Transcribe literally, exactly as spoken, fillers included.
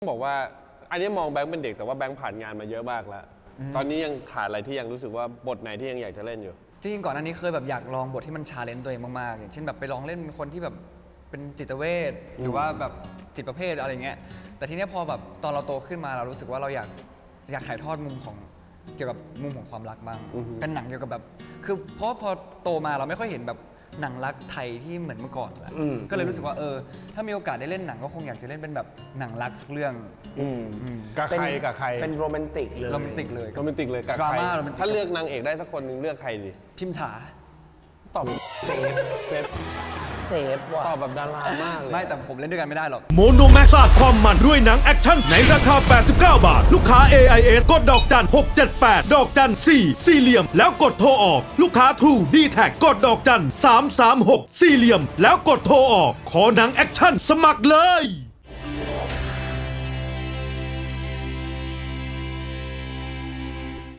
บอกว่าอันนี้มองแบงค์เป็นเด็กแต่ว่าแบงค์ผ่านงานมาเยอะมากแล้วตอนนี้ยังขาดอะไรที่ยังรู้สึกว่าบทไหนที่ยังอยากจะเล่นอยู่จริงๆก่อนหน้านี้เคยแบบอยากลองบทที่มันชาเลนจ์ตัวเองมากๆอย่างเช่นแบบไปลองเล่นเป็นคนที่แบบเป็นจิตเวชหรือว่าแบบจิตประเภทอะไรเงี้ยแต่ทีเนี้ยพอแบบตอนเราโตขึ้นมาเรารู้สึกว่าเราอยากอยากถ่ายทอดมุมของเกี่ยวกับมุมของความรักบ้างเป็นหนังเกี่ยวกับแบบคือเพราะพอโตมาเราไม่ค่อยเห็นแบบหนังรักไทยที่เหมือนเมื่อก่อนแล้วก็เลยรู้สึกว่าเออถ้ามีโอกาสได้เล่นหนังก็คงอยากจะเล่นเป็นแบบหนังรักสักเรื่องกับใครกับใครเป็นโรแมนติกเลยโรแมนติกเลยโรแมนติกเลยกับดราใครม่าโรแมนติกถ้าเลือกนางเอกได้สักคนหนึ่งเลือกใครดีพิมถาตอบเซฟเซฟเซฟว่ะตอบแบบดารามากเลยไม่แต่ผมเล่นด้วยกันไม่ได้หรอกโมโนแม็กซ์สาดความมันด้วยหนังแอคชั่นในราคาแปดสิบเก้าบาทลูกค้า เอ ไอ เอส กดดอกจันหกเจ็ดแปดดอกจันสี่สี่เหลี่ยมแล้วกดโทรออกลูกค้า True ดี แท็ก กดดอกจันสามสามหกสี่เหลี่ยมแล้วกดโทรออกขอหนังแอคชั่นสมัครเลย